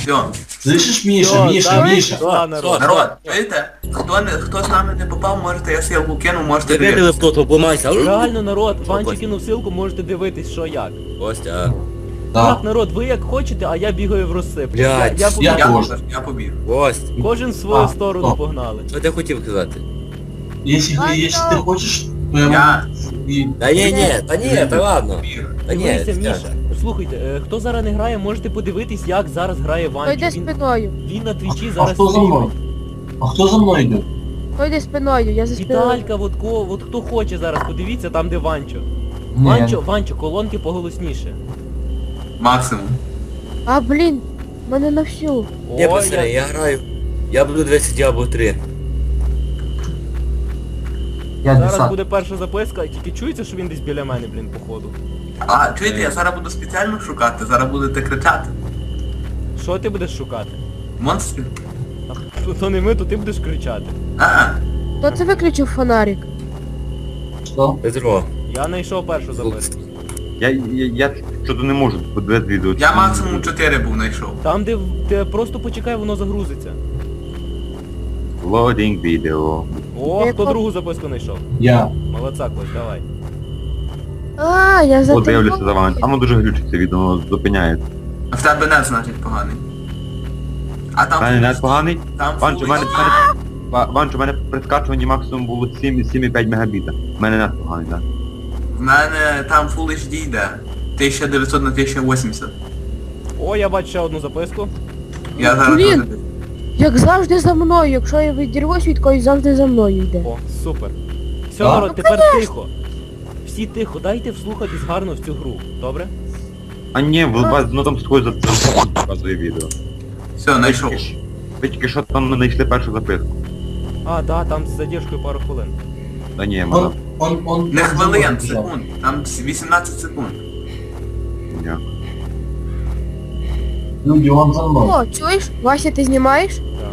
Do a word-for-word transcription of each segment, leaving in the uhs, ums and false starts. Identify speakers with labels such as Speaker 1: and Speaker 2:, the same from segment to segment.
Speaker 1: Все.
Speaker 2: Слышиш, Міша,
Speaker 3: Всё,
Speaker 2: Міша,
Speaker 3: давай,
Speaker 2: Міша?
Speaker 3: пішла, народ.
Speaker 1: Народ, чуєте? Хто, не, хто з нами не попав, можете я ссылку кину, можете
Speaker 4: Ти видели в
Speaker 1: дивитися.
Speaker 4: тот, обламайся.
Speaker 3: Реально, народ,
Speaker 4: Що,
Speaker 3: Ванчик
Speaker 4: Костя?
Speaker 3: кинув ссылку, можете дивитись, що як.
Speaker 4: Костя,
Speaker 2: Так.
Speaker 3: Так, народ, ви як хочете, а я бігаю в розсип.
Speaker 4: Блядь,
Speaker 3: я, я,
Speaker 2: я-
Speaker 1: Я,
Speaker 3: побіг.
Speaker 2: Боже.
Speaker 1: побіг, я побіг.
Speaker 4: Кость,
Speaker 3: Кожен в свою
Speaker 2: А,
Speaker 3: сторону
Speaker 2: о.
Speaker 3: погнали.
Speaker 4: що ти хотів казати?
Speaker 2: Якщо, якщо ти хочеш, то я
Speaker 1: Я
Speaker 2: можу... і-
Speaker 4: Та ні, ні, та ні, та ладно.
Speaker 1: побіг.
Speaker 4: Та ні,
Speaker 3: Дивися,
Speaker 4: Стяг.
Speaker 3: Міша, слухайте, е, хто зараз не грає, можете подивитись, як зараз грає
Speaker 5: Хто
Speaker 3: Ванчик.
Speaker 5: йде
Speaker 3: Він,
Speaker 5: спиною?
Speaker 3: він на твічі
Speaker 2: А
Speaker 3: зараз
Speaker 2: хто за мною?
Speaker 3: стрімить.
Speaker 2: А хто за мною йде?
Speaker 5: Хто йде спиною? Я за спиною.
Speaker 3: Віталька, от, ко, от хто хоче зараз, подивіться там, де Ванчо. Ванчо, Ванчо, колонки поголосніше.
Speaker 1: Максимум.
Speaker 5: А, блін, мене на всю.
Speaker 4: Ні,
Speaker 3: О,
Speaker 4: пацани, я граю. Я буду дивитися Діабло три.
Speaker 6: Я
Speaker 3: Зараз
Speaker 6: десант.
Speaker 3: буде перша записка, тільки чується, що він десь біля мене, блін, походу.
Speaker 1: А, чуєте, я зараз буду спеціально шукати, зараз будете кричати.
Speaker 3: Що ти будеш шукати?
Speaker 1: Монстрів?
Speaker 3: А, то- то не ми, то ти будеш кричати.
Speaker 1: А,
Speaker 5: Хто це виключив фонарик?
Speaker 2: Що?
Speaker 4: Петро.
Speaker 3: Я знайшов першу записку.
Speaker 7: Я, я, я що-то не можу подивити відео.
Speaker 1: я максимум чотири був знайшов.
Speaker 3: Там, де, в- де просто почекай, воно загрузиться.
Speaker 7: Loading відео.
Speaker 3: О,
Speaker 5: Я
Speaker 3: хто
Speaker 5: ко-
Speaker 3: другу записку знайшов?
Speaker 2: Я.
Speaker 3: Молодця, Кость, давай.
Speaker 5: А, я за
Speaker 7: Подивлюся
Speaker 5: тим-
Speaker 7: за вами. А воно дуже глючиться відео, воно зупиняється.
Speaker 1: А в тебе не значить поганий. А там...
Speaker 7: Та не не поганий.
Speaker 1: Там
Speaker 7: Ванчо, у мене,
Speaker 1: фулл
Speaker 7: в мене, Ва- Ванчо, у мене при скачуванні максимум було сім сім і п'ять мегабіта. У мене не поганий, так.
Speaker 1: В мене там Full ейч ді йде. тисяча дев'ятсот на тисяча вісімдесят.
Speaker 3: О, я бачу ще одну записку.
Speaker 1: Я зараз
Speaker 5: Блін.
Speaker 1: дуже...
Speaker 5: Як завжди за мною, якщо я відірвусь від когось, завжди за мною йде.
Speaker 3: О, супер. Все,
Speaker 2: Так?
Speaker 3: народ, тепер тихо. Всі тихо, дайте вслухатись гарно в цю гру, добре?
Speaker 7: А ні, ви вас ну там сходить за за показує відео.
Speaker 1: Все, знайшов.
Speaker 7: Ви тільки що там не знайшли першу записку.
Speaker 3: А, да, там з задержкою пару хвилин.
Speaker 7: Та ні,
Speaker 2: Он,
Speaker 7: мала.
Speaker 2: он, он...
Speaker 1: Не
Speaker 2: он
Speaker 1: хвилин,
Speaker 2: забув.
Speaker 1: секунд. Там вісімнадцять секунд.
Speaker 7: Дякую.
Speaker 2: Люди, он за мною.
Speaker 5: О, чуєш? Вася, ти знімаєш?
Speaker 3: Так.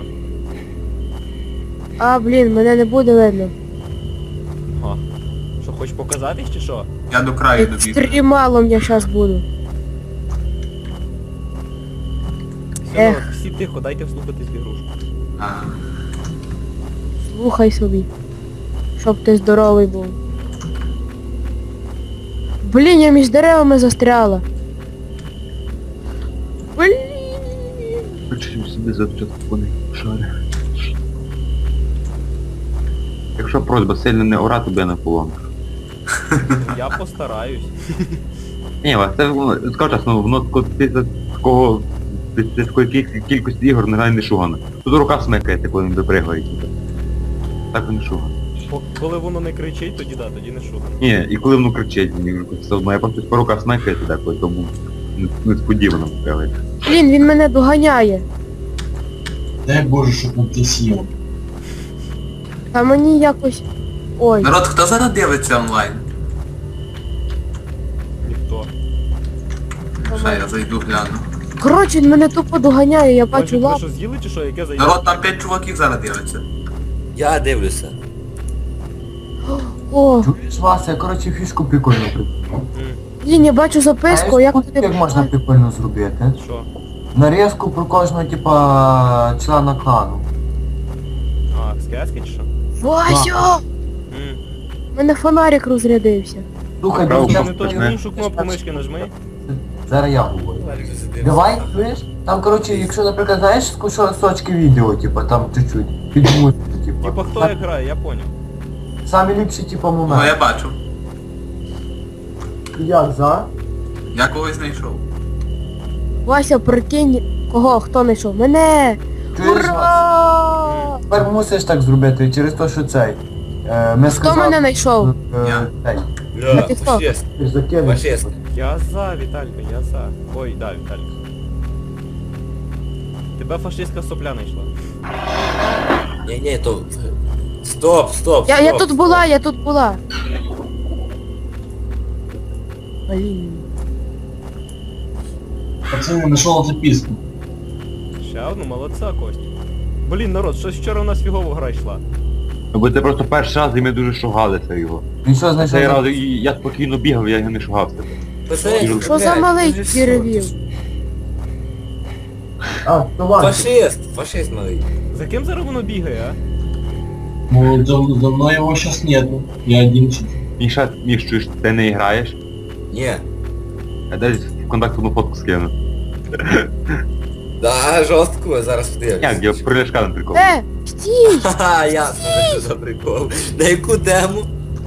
Speaker 5: А, блін, мене не буде видно.
Speaker 3: Ага. Що, хочеш показатись чи що?
Speaker 1: Я до краю добіг.
Speaker 5: Екстремалом я щас буду.
Speaker 3: Все,
Speaker 5: Ех.
Speaker 3: народ, всі тихо, дайте вслухатись в ігрушку.
Speaker 1: А,
Speaker 5: Слухай собі. Щоб ти здоровий був. Блін, я між деревами застряла. Блін.
Speaker 7: Включив собі за телефони шари. Якщо просьба сильно не орати, би я на полонках.
Speaker 3: Я постараюсь.
Speaker 7: Ні, Вась, це воно, скажу чесно, воно тако- після такого, після такої кіль- кількості ігор не грає не шугане. Тут рука смикається, коли він випригає. типу. Так він не шугане.
Speaker 3: По- Коли воно не кричить, тоді да, тоді не шугано.
Speaker 7: Ні, і коли воно кричить, мені все одно, я просто по руках смикається деколи, тому не- несподівано випригає.
Speaker 5: Блін, він мене доганяє.
Speaker 2: Дай Боже, щоб он ти сів.
Speaker 5: А мені якось... Ой.
Speaker 1: народ, хто зараз дивиться онлайн?
Speaker 3: Ніхто.
Speaker 1: Ще я зайду гляну.
Speaker 5: Коротше, він мене тупо доганяє, я бачу
Speaker 3: Бачу, ви
Speaker 5: лап.
Speaker 3: що з'їли чи що, яке зайде?
Speaker 1: Народ, там п'ять чуваків зараз дивиться.
Speaker 4: Я дивлюся.
Speaker 5: О,
Speaker 6: Чуєш, Вася, я, коротше, фішку прикольно придумав.
Speaker 3: М,
Speaker 5: блін, я бачу записку,
Speaker 6: Знаєш,
Speaker 5: як
Speaker 6: от
Speaker 5: туди...
Speaker 6: як можна прикольно зробити?
Speaker 3: Що?
Speaker 6: Нарізку про кожного, типа, члена клану.
Speaker 3: А, скески чи що?
Speaker 5: Вася!
Speaker 3: М.
Speaker 5: У мене фонарик розрядився.
Speaker 6: Слухай,
Speaker 7: Правда,
Speaker 6: друзі,
Speaker 3: Ти не то
Speaker 7: почне.
Speaker 3: іншу кнопку мишки нажми.
Speaker 6: зараз я говорю. Давай, чуєш? Там, коротше, якщо, наприклад, знаєш, кусочки відео, типа, там чуть-чуть, під музику, типа.
Speaker 3: Типа хто як грає, я поняв.
Speaker 6: Самі ліпші, типа,
Speaker 1: Ну, я
Speaker 6: моменти.
Speaker 1: бачу.
Speaker 6: Як за?
Speaker 1: Я когось знайшов.
Speaker 5: Вася, прикинь, кого, хто знайшов? Мене!
Speaker 6: Чуєш, Вася?
Speaker 5: Ура!
Speaker 6: Тепер мусиш так зробити, через те, що цей. Е, ми
Speaker 5: Хто
Speaker 6: сказали,
Speaker 5: мене знайшов?
Speaker 6: е,
Speaker 1: Я.
Speaker 6: цей,
Speaker 4: Бля,
Speaker 5: ти хто?
Speaker 4: фашист.
Speaker 6: ти ж закинеш.
Speaker 4: Фашист.
Speaker 3: Я за, Віталька, я за. Ой, да, Віталька. Тебе фашистська сопля знайшла.
Speaker 4: Ні, ні, то... Стоп, стоп,
Speaker 5: Я,
Speaker 4: стоп.
Speaker 5: я тут була, я тут була. Блін.
Speaker 2: Пацаны, нашел записку.
Speaker 3: Ще одну, молодця, Кость. Блін, народ, щось вчора у нас фігова гра йшла.
Speaker 7: Бо це просто перший раз і ми дуже шугалися його.
Speaker 6: Він що знайшов?
Speaker 7: Цей раз і я спокійно бігав, я його не шугався.
Speaker 4: Пацани,
Speaker 5: Що за
Speaker 4: блядь,
Speaker 5: малий
Speaker 4: це ж
Speaker 5: деревів?
Speaker 4: що?
Speaker 6: А, то Ванчо.
Speaker 4: Фашист, фашист малий.
Speaker 3: За ким зараз воно бігає, а?
Speaker 2: Ну, за, за мной его сейчас нету. Я один чуть.
Speaker 7: Міша, Міш, чуєш, ти не граєш?
Speaker 4: Ні.
Speaker 7: Я десь в контакт одну фотку скину.
Speaker 4: Да, жорстко, зараз подивлюсь.
Speaker 7: Як, я про Ляшка на прикол.
Speaker 5: Е, стій!
Speaker 4: Ха-ха, ясно, що за прикол. На яку тему?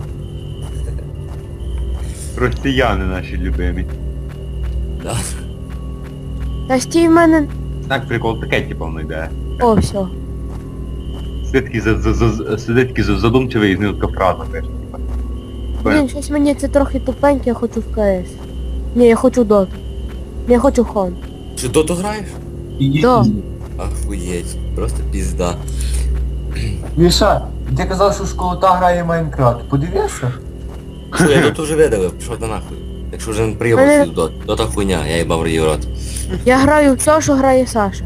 Speaker 7: Росіяни наші любимі.
Speaker 4: Да.
Speaker 5: Та стій в мене...
Speaker 7: Так, прикол таке, типу, воно йде.
Speaker 5: О, все.
Speaker 7: Сидить такий за- за- за- сидить такий за- задумчивий і з нього така фраза, каже. типа.
Speaker 5: Блін, щось мені це трохи тупеньке, я хочу в КС. Ні, я хочу доту. Ні, я хочу хон.
Speaker 4: Чи доту граєш?
Speaker 2: Иди
Speaker 5: Да.
Speaker 2: пизди.
Speaker 4: Ахуєть, просто пізда.
Speaker 6: Міша, ти казав, що школота грає в Майнкрафт. Подивився?
Speaker 4: Що, я доту вже видалив, пішов до нахуй. Якщо вже не приїбав
Speaker 5: Мене-
Speaker 4: свій дот. Дота хуйня, я їбав її в рот.
Speaker 5: Я граю в все, що грає Саша.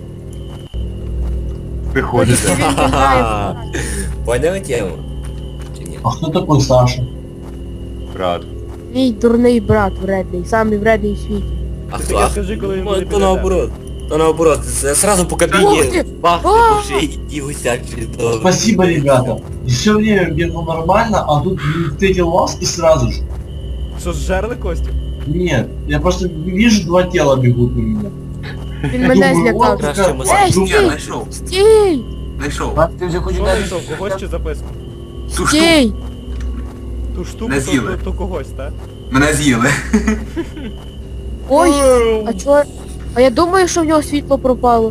Speaker 7: Приходить.
Speaker 5: Він не грає в
Speaker 4: Поняли тему? Чи ні?
Speaker 2: А кто такой Саша?
Speaker 7: брат.
Speaker 5: Мій дурний брат вредний, самий вредний в світі.
Speaker 4: А
Speaker 3: Ти
Speaker 4: хто?
Speaker 3: таке
Speaker 4: А,
Speaker 3: скажи, коли він
Speaker 4: ну,
Speaker 3: буде
Speaker 4: то
Speaker 3: біля
Speaker 4: наоборот. То наоборот, з- сразу по
Speaker 5: Ух ти!
Speaker 4: кабіні бахти
Speaker 5: А!
Speaker 4: по шиї і гусяк чудово.
Speaker 2: Спасибо, ребята. Все время бегал нормально, а тут встретил вас и сразу же.
Speaker 3: Що, зжерли Костю?
Speaker 2: Нет, я просто вижу, два тела бегут на меня.
Speaker 5: Він мене
Speaker 2: Думаю,
Speaker 5: злякав.
Speaker 2: вот
Speaker 4: Краще
Speaker 2: как-
Speaker 4: ми
Speaker 5: Ей,
Speaker 2: думаю,
Speaker 1: Я
Speaker 5: стій!
Speaker 1: знайшов,
Speaker 5: Стій!
Speaker 1: знайшов.
Speaker 6: Ванчо, ти вже хоч
Speaker 3: Що
Speaker 6: не...
Speaker 3: знайшов, когось чи записку?
Speaker 1: Ту штуку.
Speaker 5: Стій!
Speaker 3: Ту штуку,
Speaker 1: Не
Speaker 3: то,
Speaker 1: з'їли.
Speaker 3: то, то когось, так?
Speaker 1: Мене з'їли.
Speaker 5: Ой, а чого? А я думаю, що в нього світло пропало.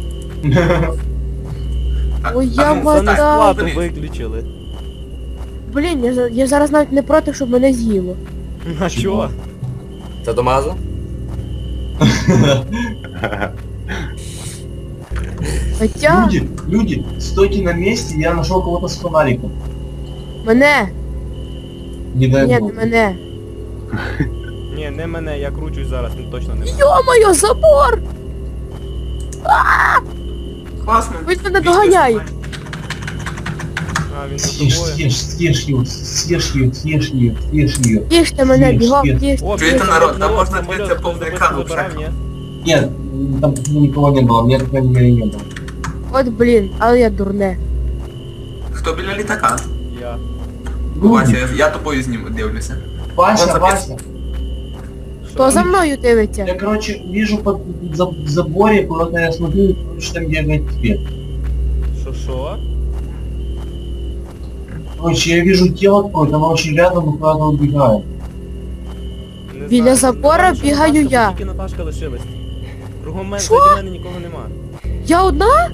Speaker 1: А-
Speaker 5: Ой,
Speaker 1: а
Speaker 5: я
Speaker 1: ну,
Speaker 5: мать-
Speaker 3: За
Speaker 1: встань,
Speaker 3: несплату
Speaker 1: встань.
Speaker 3: виключили.
Speaker 5: Блін, я, за- я зараз навіть не проти, щоб мене з'їло.
Speaker 3: А чого?
Speaker 4: Це до мазу?
Speaker 5: Хоча
Speaker 2: Люди, люди, стойте на месте, я нашел кого-то с фонариком.
Speaker 5: мене,
Speaker 2: Не дай
Speaker 5: ні,
Speaker 2: бог.
Speaker 5: не мене.
Speaker 3: Ні, не мене, я кручусь зараз, не точно не мене.
Speaker 5: Йо-моє, забор!
Speaker 1: Класно.
Speaker 5: Він мене доганяє.
Speaker 3: А, він за
Speaker 2: Съешь,
Speaker 3: тобою.
Speaker 2: съешь, съешь ее, съешь ее, съешь ее, съешь ее.
Speaker 5: Їжте мене,
Speaker 2: Ні,
Speaker 5: бігом,
Speaker 2: ні.
Speaker 5: їжте.
Speaker 3: О,
Speaker 1: Чуєте,
Speaker 3: блін,
Speaker 1: народ, там можна
Speaker 3: самоліт,
Speaker 1: дивитися
Speaker 3: хтось
Speaker 1: повний
Speaker 3: записку
Speaker 1: екран
Speaker 3: забирав,
Speaker 1: вже.
Speaker 3: ні?
Speaker 2: Нет, там никого не было, мне, по крайней мере, не было.
Speaker 5: От блін, але я дурне.
Speaker 1: Хто біля літака?
Speaker 3: Я.
Speaker 1: Вася,
Speaker 2: Люди,
Speaker 1: я, я тобою зніму, дивлюся.
Speaker 2: Вася,
Speaker 1: Он
Speaker 2: Вася,
Speaker 5: Хто за мною дивиться?
Speaker 2: я, короче, вижу под за- в заборе, куда-то я смотрю, короче, там бегает свет.
Speaker 3: Що, що?
Speaker 2: Короче, я вижу тело какое-то, оно очень рядом и куда-то убегает.
Speaker 3: Не
Speaker 5: Біля
Speaker 3: знаю,
Speaker 5: забора
Speaker 3: напевно, що
Speaker 5: бігаю
Speaker 3: Наташка,
Speaker 5: я.
Speaker 3: бо Тільки Наташка лишилась. Кругом мене,
Speaker 5: Що?
Speaker 3: заді мене нікого нема.
Speaker 5: Я одна?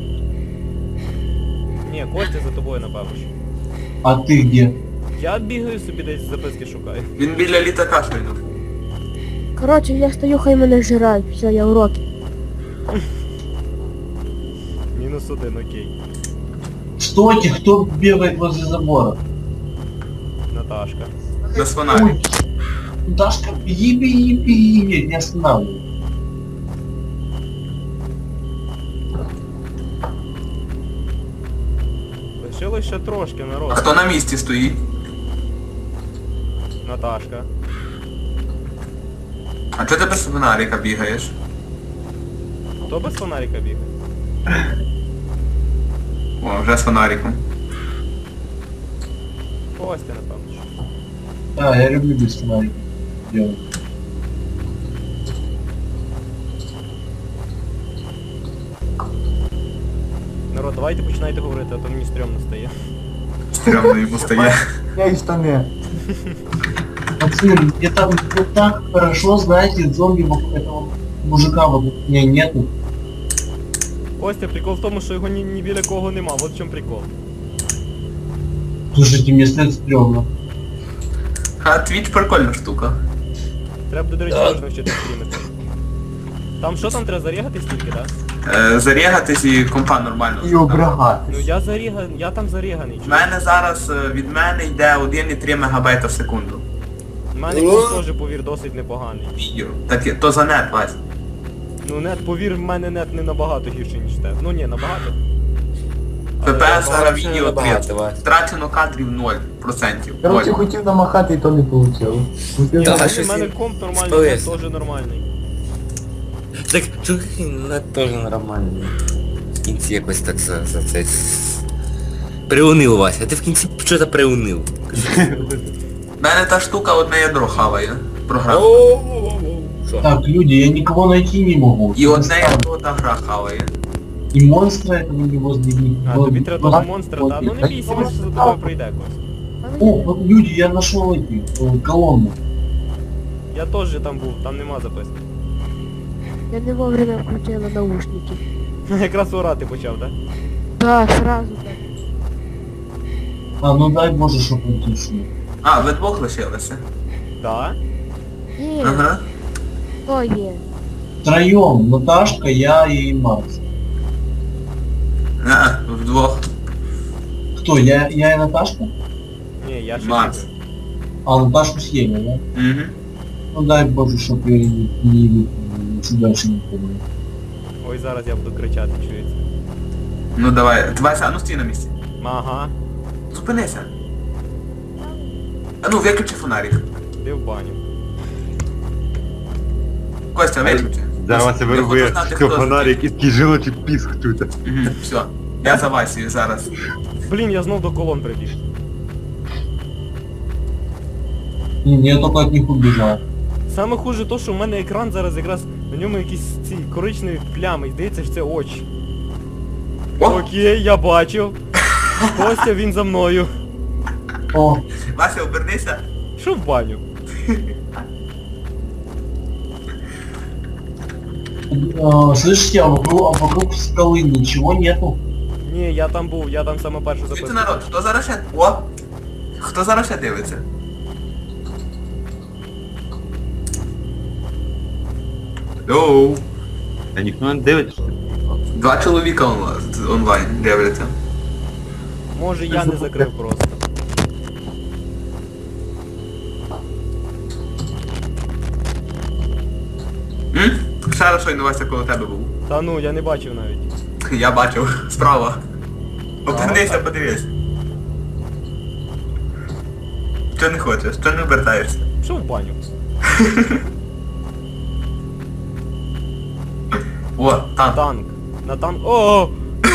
Speaker 3: Ні, Костя за тобою, напевно. що.
Speaker 2: А ты где?
Speaker 3: Я бігаю собі десь записки шукаю.
Speaker 1: Він біля літака щойно був.
Speaker 5: Коротше, я стою, хай мене жирають. Все, я в роки.
Speaker 3: Мінус один, окей.
Speaker 2: Стойте, кто бегает возле забора?
Speaker 3: Наташка.
Speaker 1: Без фонарика.
Speaker 2: Ой, Дашка, беги, беги, беги, не останавливай.
Speaker 3: Лишилось ще трошки,
Speaker 1: А
Speaker 3: народ.
Speaker 1: хто на місці стоїть?
Speaker 3: Наташка.
Speaker 1: А чого ти без фонарика бігаєш?
Speaker 3: Хто без фонарика бігає?
Speaker 1: О, вже з фонариком.
Speaker 3: Костя, напевно. що.
Speaker 2: Да, я люблю без фонарика делать.
Speaker 3: Народ, давайте починайте говорити, а то мені стрьомно стає.
Speaker 1: Стрьомно йому стає.
Speaker 6: Я і штани.
Speaker 2: Пацаны, мне там вот так хорошо, знаете, зомби вокруг этого мужика вот меня нету.
Speaker 3: Костя, прикол в тому, що його ні, ні біля кого нема, от в чому прикол.
Speaker 2: Слушайте, мне след стрёмно.
Speaker 1: А твіч прикольна штука.
Speaker 3: Треба буде, до речі,
Speaker 4: Так.
Speaker 3: можна вчити стрімити. Там що там треба зарігатись тільки, так?
Speaker 1: Е, зарігатись і компа нормально.
Speaker 6: І обрагати.
Speaker 3: Ну я заріганий, я там заріганий.
Speaker 1: В мене зараз е, від мене йде один і три мегабайта в секунду.
Speaker 3: У мене комп теж, повір, досить непоганий.
Speaker 1: Відео. Так, і- то за нет, Вась.
Speaker 3: Ну нет, повір, в мене нет не набагато гірше, ніж те. Ну ні, набагато. Але
Speaker 1: ППС
Speaker 3: набагато.
Speaker 1: зараз
Speaker 4: це
Speaker 1: відео
Speaker 4: набагато,
Speaker 1: три.
Speaker 4: Вась.
Speaker 1: Втрачено кадрів ноль відсотків.
Speaker 6: Короче,
Speaker 1: ноль.
Speaker 6: хотів намахати, і то не вийшло.
Speaker 4: Я
Speaker 3: У
Speaker 4: щось
Speaker 3: мене
Speaker 4: і
Speaker 3: комп нормальний,
Speaker 4: спалився.
Speaker 3: теж нормальний.
Speaker 4: Так, чуваки, ну теж нормально. В кінці якось так за, за це... Приунив, Вася, а ти в кінці що-то приунив.
Speaker 1: В мене та штука одне ядро хаває. Програма.
Speaker 4: Що?
Speaker 2: Так, люди, я никого найти не могу.
Speaker 1: І одне ядро та гра хаває.
Speaker 2: И монстра этого не возле них.
Speaker 3: А, тобі треба того монстра, та? Ну не бійся, він за тобою прийде якось.
Speaker 2: О, вот люди, я нашел эти, э, колонну.
Speaker 3: Я теж там був, там нема записки.
Speaker 5: Я не вовремя включила наушники.
Speaker 3: Якраз орати почав, так?
Speaker 5: Да, сразу так.
Speaker 2: А, ну дай боже, чтоб он тишил.
Speaker 1: А, ви двох лишилися?
Speaker 3: Так?
Speaker 5: Ні,
Speaker 1: Ага.
Speaker 5: хто є?
Speaker 2: Втроем, Наташка, я и Макс.
Speaker 1: А, вдвох.
Speaker 2: Кто, я, я и Наташка?
Speaker 3: Ні, я ще
Speaker 1: Макс.
Speaker 3: не.
Speaker 2: А, Наташку съели, да?
Speaker 1: Угу.
Speaker 2: Ну дай боже, чтоб я не, не, не, дальше не помню.
Speaker 3: Ой, зараз я буду кричати, чується.
Speaker 1: Ну давай, Вася, а ну стій на місці.
Speaker 3: Ага,
Speaker 1: Зупинися. А ну, виключи фонарик.
Speaker 3: ти в баню.
Speaker 1: Костя, виключи.
Speaker 7: Зараз Вася
Speaker 1: Я
Speaker 7: вирубує
Speaker 1: хочу знати,
Speaker 7: що
Speaker 1: хто
Speaker 7: фонарик і такий жіночий піск чути.
Speaker 1: Угу, все. Я за Васію зараз.
Speaker 3: Блін, я знов до колон прибіг.
Speaker 2: Не, я только от них убежал.
Speaker 3: Саме хуже то, що в мене екран зараз якраз на ньому якісь ці коричневі плями, і здається, що це очі.
Speaker 1: О!
Speaker 3: Окей, я бачив. Костя, він за мною.
Speaker 2: О,
Speaker 1: Вася, обернися.
Speaker 3: Що в баню?
Speaker 2: э, слышите, а вокруг, а вокруг скалы ничего нету.
Speaker 3: Ні, я там був, я там саме першу
Speaker 1: Чуєте,
Speaker 3: записку.
Speaker 1: народ, хто зараз ще... О! Хто зараз ще дивиться? Йоу!
Speaker 7: Та ніхто не дивиться.
Speaker 1: Два чоловіка онлайн, онлайн дивляться.
Speaker 3: Може я не закрив просто.
Speaker 1: М? Ще раз щойно Вася коло тебе був.
Speaker 3: Та ну, я не бачив навіть.
Speaker 1: Я бачив, справа. Обернися, подивись. Що не хочеш? Що не обертаєшся?
Speaker 3: Що в баню?
Speaker 1: О, там.
Speaker 3: Танк. На танк. О!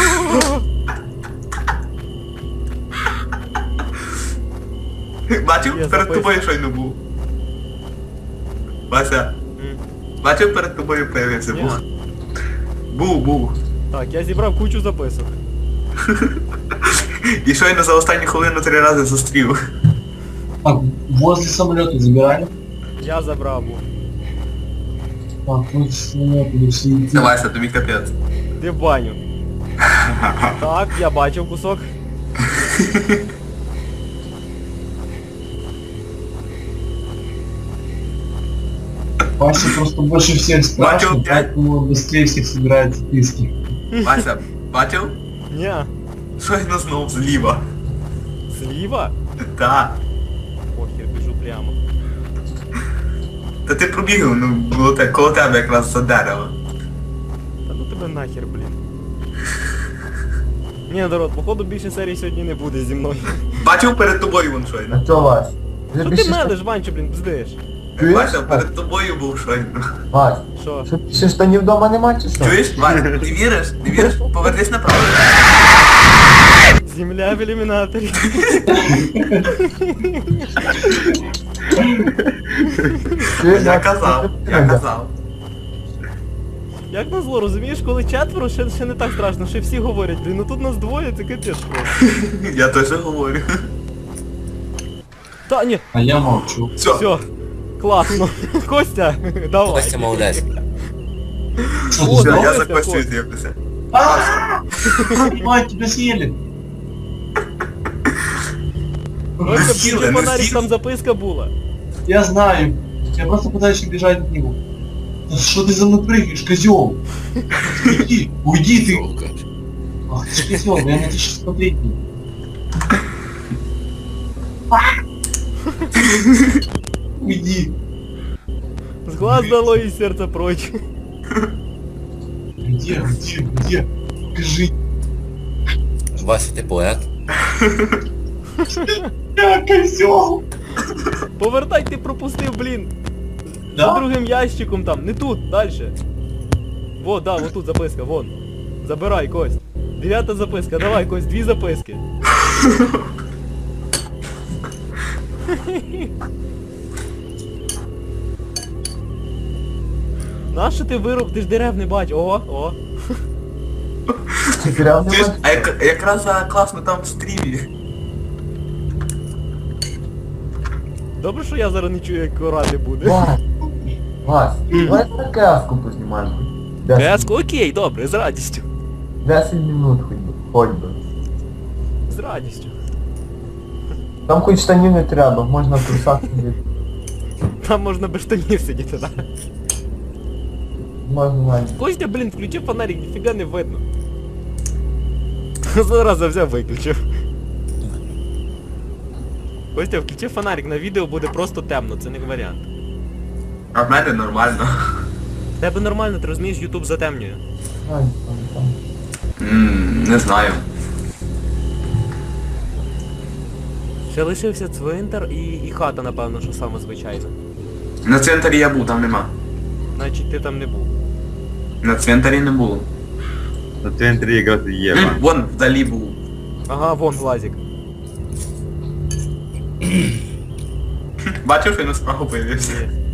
Speaker 1: Бачив?
Speaker 3: Я
Speaker 1: Перед
Speaker 3: записую.
Speaker 1: тобою щойно був. Вася,
Speaker 3: М.
Speaker 1: бачив, перед тобою появився
Speaker 3: Ні.
Speaker 1: був. Був, був.
Speaker 3: Так, я зібрав кучу записок.
Speaker 1: І щойно за останню хвилину три рази зустрів.
Speaker 2: Так, возле самолета забирали.
Speaker 3: Я забрав був.
Speaker 2: Так, вот самолет или все идти.
Speaker 1: Це Вася, тобі капець.
Speaker 3: Ти в баню. Так, я бачив кусок.
Speaker 2: Вася просто больше всех страшно,
Speaker 1: Бачил, блядь.
Speaker 2: поэтому он быстрее всех собирает списки.
Speaker 1: Вася, бачив?
Speaker 3: Ні.
Speaker 1: Щойно знов зліва.
Speaker 3: Зліва?
Speaker 1: Та.
Speaker 3: Похер, біжу прямо.
Speaker 1: Та ти пробігав, ну, було те, коло тебе якраз за дерево.
Speaker 3: Та ну тебе нахер, блін. Ні, народ, походу більше серій сьогодні не буде зі мною.
Speaker 1: Бачив перед тобою вон щойно.
Speaker 6: А чо, Вась? Вже
Speaker 3: Що ти
Speaker 6: більше
Speaker 3: медиш, Ванчо, блін, бздиш?
Speaker 6: Чуєш?
Speaker 1: Вася, перед тобою був щойно.
Speaker 6: Вась,
Speaker 3: Що?
Speaker 6: що більше штанів вдома нема чи що?
Speaker 1: Чуєш? Вася, ти віриш? Ти віриш? Повернись направо.
Speaker 3: Земля в ілюмінаторі.
Speaker 6: Чуєш,
Speaker 1: Я
Speaker 6: Вась,
Speaker 1: казав,
Speaker 6: що
Speaker 1: я
Speaker 6: ти
Speaker 1: казав.
Speaker 3: Як назло, розумієш, коли четверо, ще, ще не так страшно, ще всі говорять, блін, ну тут нас двоє, це капець просто.
Speaker 1: Я теж говорю.
Speaker 3: Та, ні,
Speaker 2: А я молчу.
Speaker 1: Все.
Speaker 3: все, класно. Костя, давай.
Speaker 4: Костя молодець.
Speaker 2: Что
Speaker 3: О,
Speaker 2: ты
Speaker 1: Все,
Speaker 2: сделал?
Speaker 1: я
Speaker 3: Давай,
Speaker 1: за
Speaker 3: Костя.
Speaker 1: Костю з'явлюся.
Speaker 2: Мать, тебя съели.
Speaker 3: Костя,
Speaker 1: Не з'їли,
Speaker 3: включи
Speaker 1: не
Speaker 3: фонарик,
Speaker 1: з'їли.
Speaker 3: там записка була.
Speaker 2: Я знаю. Я просто пытаюсь убежать от него. Да что ты за мной прыгаешь, козел? Уйди, уйди ты.
Speaker 4: Сука.
Speaker 2: Ах ты ж козел, я на тебя сейчас смотреть буду. Уйди.
Speaker 3: З глаз дало і серце прочь.
Speaker 2: Где, где, где? Скажи.
Speaker 4: Вася, ти поет?
Speaker 2: Я козел.
Speaker 3: Повертай, ти пропустив, блін. За
Speaker 2: Да?
Speaker 3: другим ящиком там, не тут, дальше. Во, да, вот тут записка, вон. Забирай, Кость. Дев'ята записка, давай, Кость, дві записки. Нащо ти вируб, ти ж дерев не бач, о, о.
Speaker 6: Чи прям не
Speaker 1: Чуєш,
Speaker 6: бачиш?
Speaker 1: а як, якраз а, класно там в стрімі.
Speaker 3: Добре, що я зараз не чую, як орати буде.
Speaker 6: Вась, Вась, давай на каску познімаємо. Десять-
Speaker 3: Кеску, окей, добре, з радістю.
Speaker 6: десять минут хоч би, хоч би.
Speaker 3: З радістю.
Speaker 6: Там хоч штанів не треба, можна в трусах сидіти.
Speaker 3: Там можна без штанів сидіти, так?
Speaker 6: Можна навіть.
Speaker 3: Костя, блін, включив фонарик, ніфіга не видно. Зараз взяв виключив. Костя, включив фонарик, на відео буде просто темно, це не варіант.
Speaker 1: А в мене нормально.
Speaker 3: В тебе нормально, ти розумієш, Ютуб затемнює.
Speaker 6: Ай, там, там.
Speaker 1: Ммм, не знаю.
Speaker 3: Ще лишився цвинтар і, і хата, напевно, що саме звичайно.
Speaker 1: На цвинтарі я був, там нема.
Speaker 3: Значить ти там не був.
Speaker 1: На цвинтарі не було.
Speaker 7: На центрі якраз і є.
Speaker 1: М,
Speaker 7: Вань.
Speaker 1: Вон, вдалі був.
Speaker 3: Ага, вон глазик.
Speaker 1: Бачив, що він справа появився.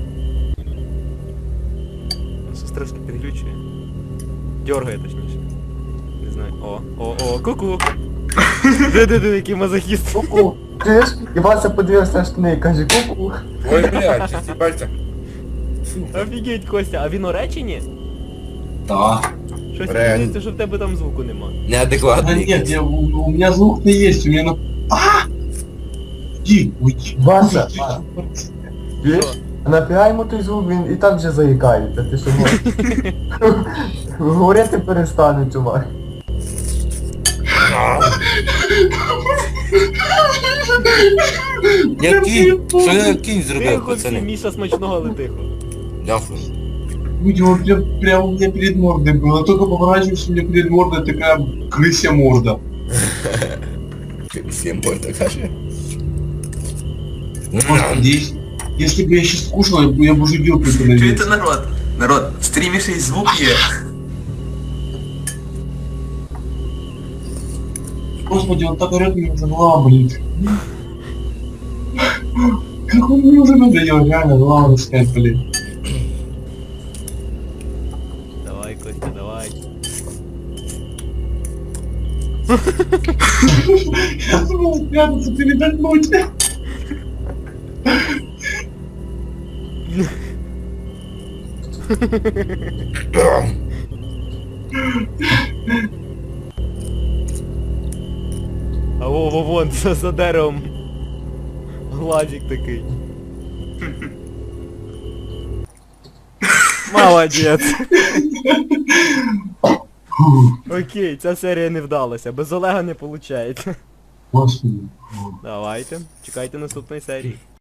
Speaker 3: Щось трошки підглючує. Дьоргає точніше. Не знаю. О, о, о, ку-ку. Де-де-де, який мазохіст.
Speaker 6: Ку-ку. Чуєш? І Вася подивився на штани і каже ку-ку.
Speaker 4: Ой, блядь, чисті пальця.
Speaker 3: Офігеть, Костя, а він у реченні?
Speaker 2: Да.
Speaker 3: Щось
Speaker 4: Реально.
Speaker 3: мені здається, що в тебе там звуку нема.
Speaker 2: Да
Speaker 4: Неадекватний.
Speaker 2: нет, я, у, у меня звук-то есть, у меня на... А! Иди, уйди.
Speaker 6: Вася,
Speaker 2: Уйди.
Speaker 6: Вася. Чуєш? А нафіга йому той звук, він і так вже заїкається, ти що можеш? Говорити перестане, чувак.
Speaker 4: Я кінь, що я кінь зробив,
Speaker 3: Тихо, всі,
Speaker 4: пацани?
Speaker 3: Міша, смачного, але тихо.
Speaker 4: Дякую.
Speaker 2: Уйди, он прям, прям у меня перед мордой было. Только поворачиваешься, у меня перед мордой такая крысья морда.
Speaker 4: Всім можна каже.
Speaker 2: Господи, если, если бы я сейчас кушал, я бы, я бы уже вилкой
Speaker 1: Чуєте,
Speaker 2: подавился.
Speaker 1: народ? Народ, в стрімі ще й звук є.
Speaker 2: Господи, он так орёт, мне уже голова болит. Как он мне уже надоел, реально, голова раскать, блин.
Speaker 3: Давай, Костя, давай.
Speaker 2: Я думал спрятаться, передохнуть.
Speaker 3: А во, во, вон, за, за деревом. Глазик такий. Молодець. Окей, ця серія не вдалася. Без Олега не виходить.
Speaker 2: Господи.
Speaker 3: Давайте. Чекайте наступної серії.